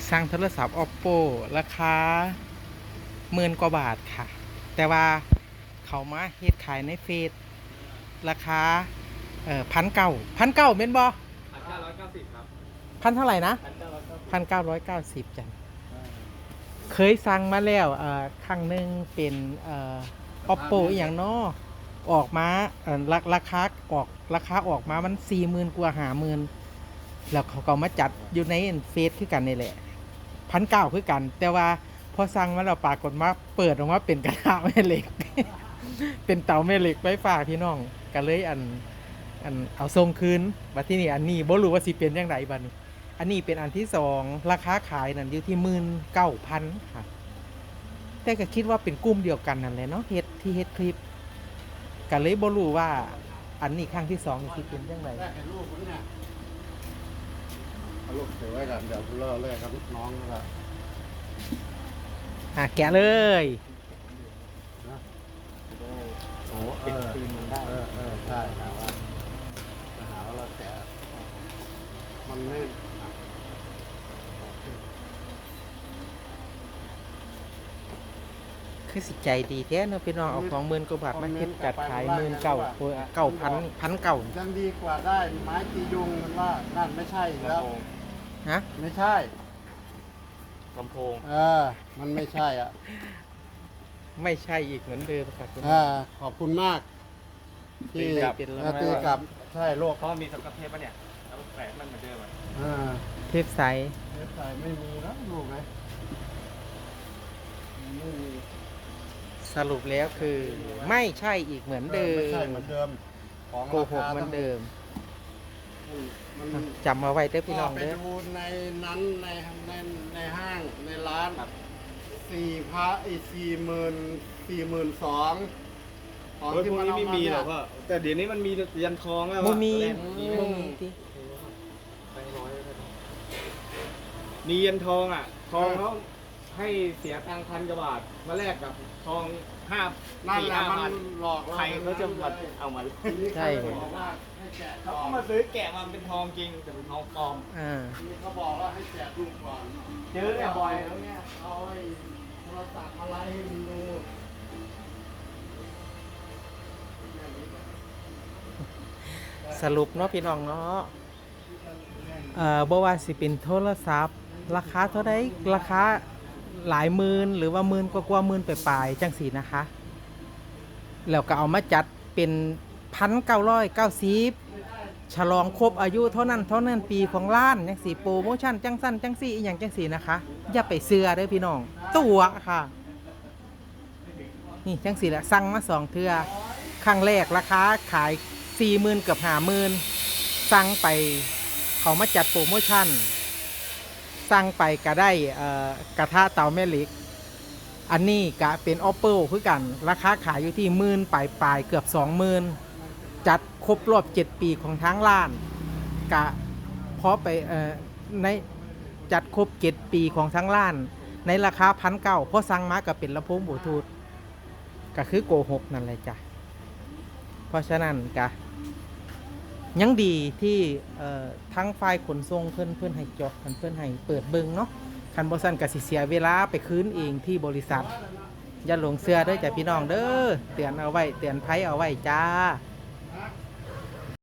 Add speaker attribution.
Speaker 1: สั่งโทรศัพท์ Oppo ราคา10,000 กว่าบาทค่ะ แต่ว่าเขามาเฮ็ดขายในเฟซราคา1,900เม่นบ่
Speaker 2: 1,990ครับ
Speaker 1: พันเท่าไหร่นะ
Speaker 2: 1,990
Speaker 1: 1,990จังเคยสั่งมาแล้วครั้งหนึ่งเป็นOppo อีหยังเนาะออกมาราคาออกมามัน 40,000 กว่า 50,000แล้วเขาก็มาจัดอยู่ในเฟซคือกันนี่แหละ1,900คือกัน แต่ว่าพอสั่งมาแล้วปรากฏว่าเปิดออกมาเป็นกระทะแม่เหล็ก เป็นเตาแม่เหล็กไฟฟ้าพี่น้องก็เลยเอาส่งคืนบัดที่นี่อันนี้บ่รู้ว่าสิเป็นจังไดบัดนี้อันนี้เป็นอันที่2ราคาขายนั่นอยู่ที่ 19,000 ค่ะแต่ก็คิดว่าเป็นกลุ่มเดียวกันนั่นแหละเนาะเฮ็ดคลิปก็เลยบ่รู้ว่าอันนี้ครั้งที่2สิเป็นจังได
Speaker 2: แรกเห็นรูปผมเนี่ยเอารูปเก็บไว้กันเดี๋ยวเลิกเลยครับน้องนะครับ
Speaker 1: แกะเลย
Speaker 2: โอ้เป็นคืนมันได้ใช่หาว่าเราแกะมันไม่
Speaker 1: คือสิใจดีแท้เนาะพี่น้องเอาของ10,000 กว่าบาทมาเฮ็ดจัดขาย9,000
Speaker 2: ยังดีกว่าได้ไม้ตียุงมันว่านั่นไม่ใช่แล้ว
Speaker 1: ฮะ
Speaker 2: ไม่ใช่
Speaker 3: ลำโพง
Speaker 2: มันไม่ใช่อ่ะ
Speaker 1: ไม่ใช่อีกเหมือนเดิมครับ
Speaker 2: ขอบคุณมากที่
Speaker 1: ตี
Speaker 2: กลับใช่โลก
Speaker 3: เพราะมีสกอตเทปป่ะเนี่ยแล้วแปะมันเหมือนเดิมอ่ะ
Speaker 1: เทปใส
Speaker 2: ไม่มีแล้วลูกไหมไม่มี
Speaker 1: สรุปแล้วคือไม่ใช่อีกเหมือนเดิม
Speaker 2: ไม่ใช่เหมือนเดิม
Speaker 1: โกหกเหมือนเดิมจำมาไว้เด้อพี่น้องเด้อ
Speaker 2: ไปดูในนั้นในห้างในร้าน42,000ของที่มัน
Speaker 3: ไม่มีหรอกพ่อแต่เดี๋ยวนี้มันมียันทองแล้ว
Speaker 1: มี
Speaker 3: มียันทองอ่ะทองเขาให้เสียตังค์1,000 กว่าบาทมาแลกกับทอง
Speaker 2: นั่นแหละมันหลอก
Speaker 3: ใครเขาจะมาเอามา
Speaker 1: ใช่
Speaker 3: เขามาซื้อแกะมาเป็นทองจริงแต่เป็นทองปลอม
Speaker 2: เขาบอกว่าให้แจกลูกก่อน
Speaker 3: เจอเนี่ยบ่อยแล้วเนี่ย
Speaker 2: เอาไอ้โทรศัพท์อะไรให้ดู
Speaker 1: สรุปเนาะพี่น้องเนาะบ่ว่าสิเป็นโทรศัพท์ราคาเท่าใดราคาหลายหมื่นหรือว่า10,000 กว่าหมื่นไปปลายจังสีนะคะแล้วก็เอามาจัดเป็น1,990ฉลองครบอายุเท่านั้นปีของร้านจังสีโปรโมชั่นจังสั้นจังสีอีหยังจังสีนะคะอย่าไปเชื่อเด้อพี่น้องตัวค่ะนี่จังสีแหละสั่งมา2 เทื่อครั้งแรกราคาขาย 40,000 กับ 50,000สั่งไปเขามาจัดโปรโมชั่นสั่งไปก็ได้กระทะเตาแม่เหล็กอันนี้ก็เป็น Oppo คือกันราคาขายอยู่ที่10,000ปลายเกือบ 20,000จัดครบรอบ7 ปีของทางร้านกะพอไปในจัดครบ7 ปีของทางร้านในราคา1,900พอสั่งมาก็เป็นลำโพงบลูทูธก็คือโกหกนั่นแหละจ้ะเพราะฉะนั้นกะยังดีที่ทั้งฝ่ายขนส่งเพื่อนให้จอดเพื่อนให้เปิดเบิ่งเนาะคันบ่ซั่นก็สิเสียเวลาไปคืนเองที่บริษัทอย่าหลงเชื่อเด้อจ้ะพี่น้องเด้อเตือนเอาไว้เตือนภัยเอาไว้จ้า